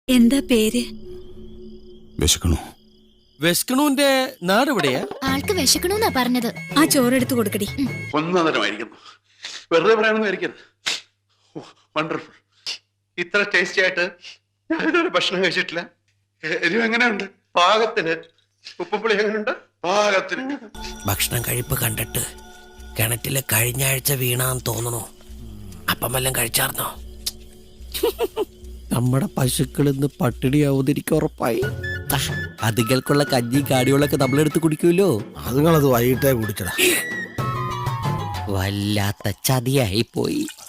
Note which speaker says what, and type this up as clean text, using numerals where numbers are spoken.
Speaker 1: എന്താ പേര്?
Speaker 2: വിശക്കണു.
Speaker 3: വെസ്കണുവിന്റെ നാട് എവിടെയാ?
Speaker 4: ആൾക്ക് വിശക്കണമെന്നാ പറഞ്ഞത്.
Speaker 1: ആ ചോറെടുത്ത് കൊടുക്കടി.
Speaker 5: ഒന്നരമായിരിക്കുന്നു. വെറുതെ പറയാനൊന്നും ആയിരിക്കരുത്. വണ്ടർഫുൾ. ഇത്ര ടേസ്റ്റി ആയിട്ട് ഞാനൊരു ഭക്ഷണം കഴിച്ചിട്ടില്ല. എരിവ് എങ്ങനെയുണ്ട്? പാകത്തിന്. ഉപ്പുപുളി എങ്ങനെയുണ്ട്? പാകത്തിന്.
Speaker 6: ഭക്ഷണം കഴിപ്പ് കണ്ടിട്ട് കിണറ്റില് കഴിഞ്ഞ ആഴ്ച വീണാന്ന് തോന്നണു. അപ്പം വല്ലതും കഴിച്ചാർന്നോ? നമ്മുടെ പശുക്കൾ ഇന്ന് പട്ടിണിയാവുന്നിരിക്കും ഉറപ്പായി. അതുകൾക്കുള്ള കഞ്ഞി കാടികളൊക്കെ നമ്മളെടുത്ത് കുടിക്കുമല്ലോ.
Speaker 7: അതുങ്ങളത് വൈകിട്ടേ കുടിച്ചടാ.
Speaker 6: വല്ലാത്ത ചതിയായി പോയി.